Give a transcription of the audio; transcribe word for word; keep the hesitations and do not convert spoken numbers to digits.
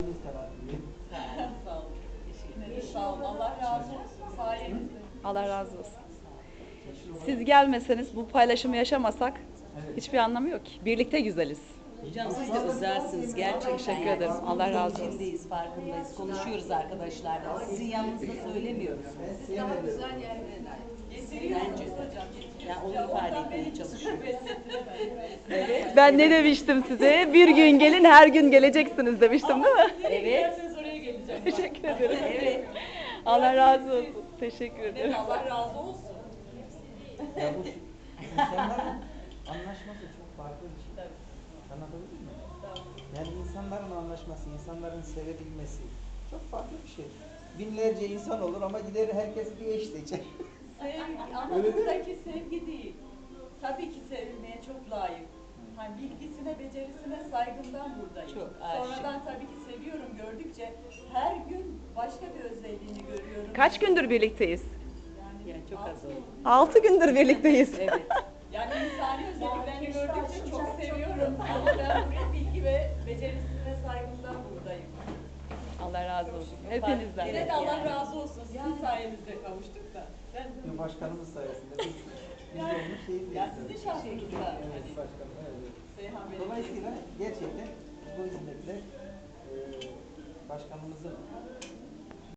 Sağ olun. Teşekkür ederim. Sağ olun. Allah razı olsun. Sayenizde. Allah razı olsun. Siz gelmeseniz, bu paylaşımı yaşamasak hiçbir anlamı yok ki. Birlikte güzeliz. Hocam siz de özelsiniz gerçekten. Teşekkür ederim. Allah razı olsun. İçindeyiz, farkındayız. Konuşuyoruz arkadaşlarla. Sizin yanınızda söylemiyoruz. Daha güzel yerlere Bence de. Yani onu ifade etmeye çalışıyoruz. Evet. Ben ne demiştim size? Bir gün gelin, her gün geleceksiniz demiştim değil mi? Evet. Oraya geleceğim. Teşekkür ederim. Evet. Allah razı olsun. Teşekkür ederim. Allah razı olsun. Ya bu insanların anlaşması çok farklı bir şey. Anlatabildim mi? Yani insanların anlaşması, insanların sevebilmesi çok farklı bir şey. Binlerce insan olur ama gider herkes bir eş seçer. Sevgi, ama buradaki sevgi değil. Tabii ki sevilmeye çok layık. Hani bilgisine, becerisine saygımdan buradayım. Çok aşık. Sonradan tabii ki seviyorum gördükçe her gün başka bir özelliğini görüyorum. Kaç gündür birlikteyiz? Yani, Yani çok az oldu. Altı gündür birlikteyiz. Evet. Yani insani özelliklerini gördükçe çok seviyorum. Ama ben buraya bilgi ve becerisine saygımdan buradayım. Allah razı olsun. Hepinizden. Yine de Allah razı olsun. Sizin sayenizde kavuştuk da. Ben de Başkanımız sayesinde biz, biz de onun şeyindeyiz. ya sizin şahsınızda. Evet başkanım. Evet. Seyhan Bey. Dolayısıyla gerçekten bu hizmetle e, başkanımızın